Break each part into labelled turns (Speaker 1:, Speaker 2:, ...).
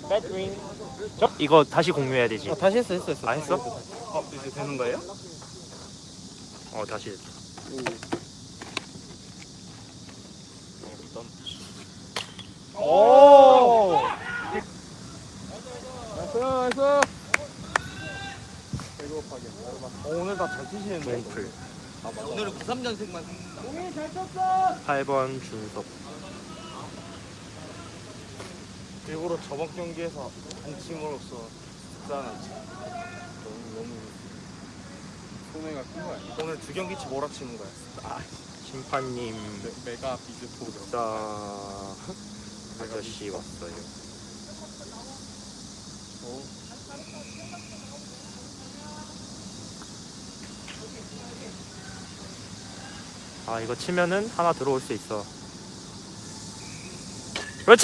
Speaker 1: 배트윙.
Speaker 2: 이거 다시 공유해야 되지.
Speaker 1: 다시 했어.
Speaker 2: 아, 했어?
Speaker 3: 이제 되는 거예요?
Speaker 2: 다시.
Speaker 1: 오.
Speaker 3: 나이스. 배고파게. 오늘 다 잘 치시는데.
Speaker 2: 동풀.
Speaker 3: 오늘은 93년생만.
Speaker 2: 8번 준섭.
Speaker 3: 일부러 저번 경기에서 안 침으로써 득사하지. 너무 손해가 큰 거야. 오늘 두 경기치 몰아치는 거야.
Speaker 2: 심판님
Speaker 3: 메가 비즈포.
Speaker 2: 자 아저씨 왔어요. 이거 치면은 하나 들어올 수 있어. 그렇지.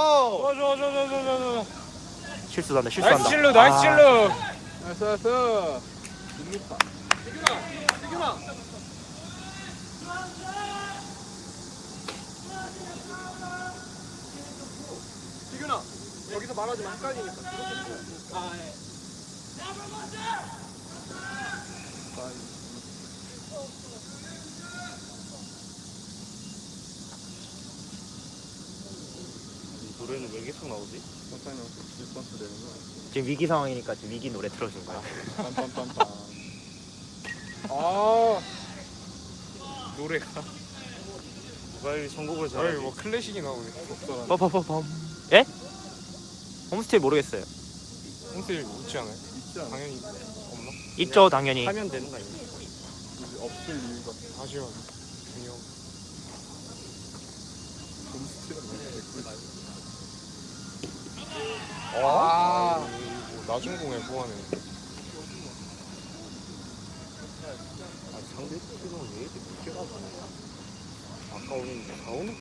Speaker 1: 좋아.
Speaker 2: 실수한다.
Speaker 1: 나이스 실루. 나이스 실루.
Speaker 3: 나이스. 6m. 희균아 여기서 말하지만 헷갈리니까. 노래는 왜 계속 나오지? 잠깐만 리스폰스 되는 거야.
Speaker 2: 지금 위기 상황이니까 지금 위기 노래 틀어준 거야.
Speaker 3: 빰빰빰빰. 노래가 누가 이 선곡을 잘하지?
Speaker 1: 뭐 클래식이 나오네.
Speaker 2: 빠빠빠밤. 예? 홈스테이 모르겠어요.
Speaker 1: 홈스테이 있지 않아요?
Speaker 3: 있지 않아?
Speaker 1: 당연히 없나?
Speaker 2: 있죠 당연히.
Speaker 3: 하면 되는 거 아니야? 없을 이유가
Speaker 1: 아쉬워. 중요.
Speaker 3: 홈스테이는 개꿀.
Speaker 1: 낮은 공에 후하네.
Speaker 3: 상대 팀은 왜 이렇게 늦게 가서 아까 오는